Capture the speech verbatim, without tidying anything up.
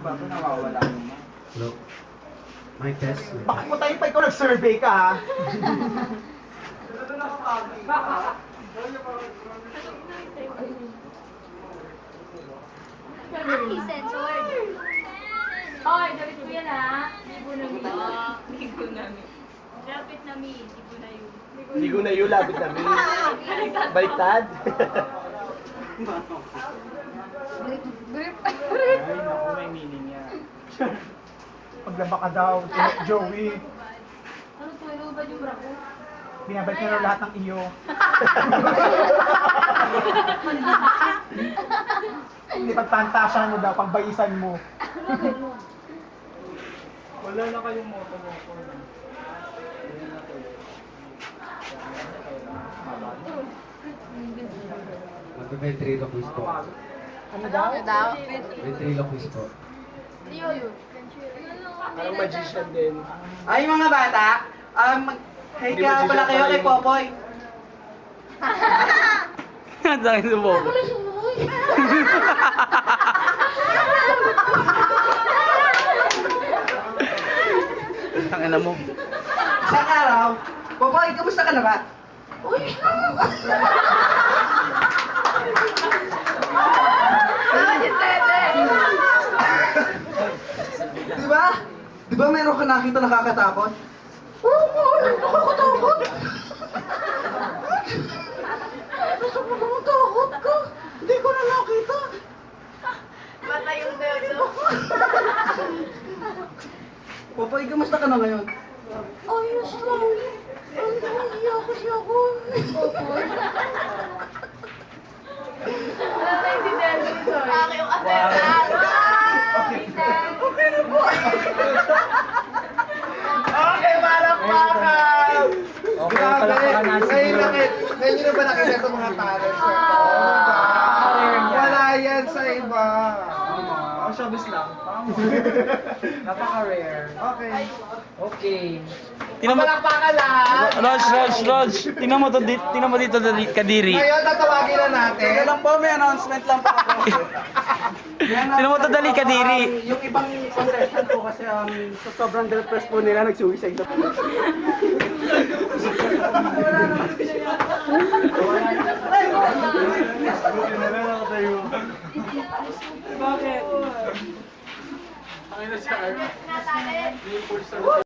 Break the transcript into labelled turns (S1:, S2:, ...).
S1: ba ito nawawala naman?
S2: Hello? Mic test.
S3: Baka mo tayo pa ikaw nag-survey ka ha?
S4: Aki, censored.
S5: Hoy, dapat ko yan ha. Libo na mi.
S4: Ligo namin. Lapit na mi, ligo na yun.
S3: Ligo na yun, labit na min. Baliktad.
S5: Grip.
S1: Ay, naku, may meaning yan.
S3: Paglaba ka daw, Joey.
S5: Ano to? Ano ba yung brako?
S3: Binabalik na raw lahat ng iyo. Hindi pagpantasyan mo daw, pagbayisan mo.
S1: Wala na kayong moto-moto.
S2: Magpe-ventriloquist po.
S3: Ano daw?
S5: Ano daw?
S2: Ventriloquist po.
S5: Liyo yun.
S3: Parang magician din.
S6: Ay mga bata, um, mag- hey
S3: Hindi
S6: kaya
S3: ba
S6: pala
S3: siya
S6: kayo
S3: pala
S6: kay
S3: yung-
S6: Popoy.
S1: Ang dami sa bobo.
S5: Wala siyang luhoy.
S1: Ang ina mo.
S6: Isang araw, Popoy, kamusta ka na ba?
S5: Uy!
S6: Di ba? Di ba meron ka nakita nakakatakot? Oo nga, nakakatakot. Gusto mo naman takot ka? Hindi ko na nakita.
S4: Mata yung dedo.
S6: Popoy, kamusta ka na ngayon?
S5: Ayos lang. Ang nahihiya kasi ako.
S4: Wala na yung dedo. Aki yung ateran.
S6: Okay na po.
S3: Okay, malakpakan!
S1: Okay,
S6: Grabe.
S1: palakpakan natin
S6: Ngayon
S1: siguro.
S6: nakit, ngayon nyo na ba nakita sa mga talents na to? Wala yan sa iba.
S1: Ang showbiz lang. Napaka-rare.
S6: Okay.
S1: Okay.
S3: Tingnan mo. Malakpakan lahat!
S1: Raj, Raj, Raj. Tingnan mo to, di- tingnan mo dito, Dali- Kadiri.
S6: Ngayon, tatawagin na natin.
S1: Kaya lang po, may announcement lang po ako. Tingnan mo to, Dali, Kadiri.
S6: Um, yung ibang contestant po kasi um, sa sobrang depressed po nila, nag-suicide na po.
S1: Bakit?
S3: Ang ina si Arp.
S4: Natali.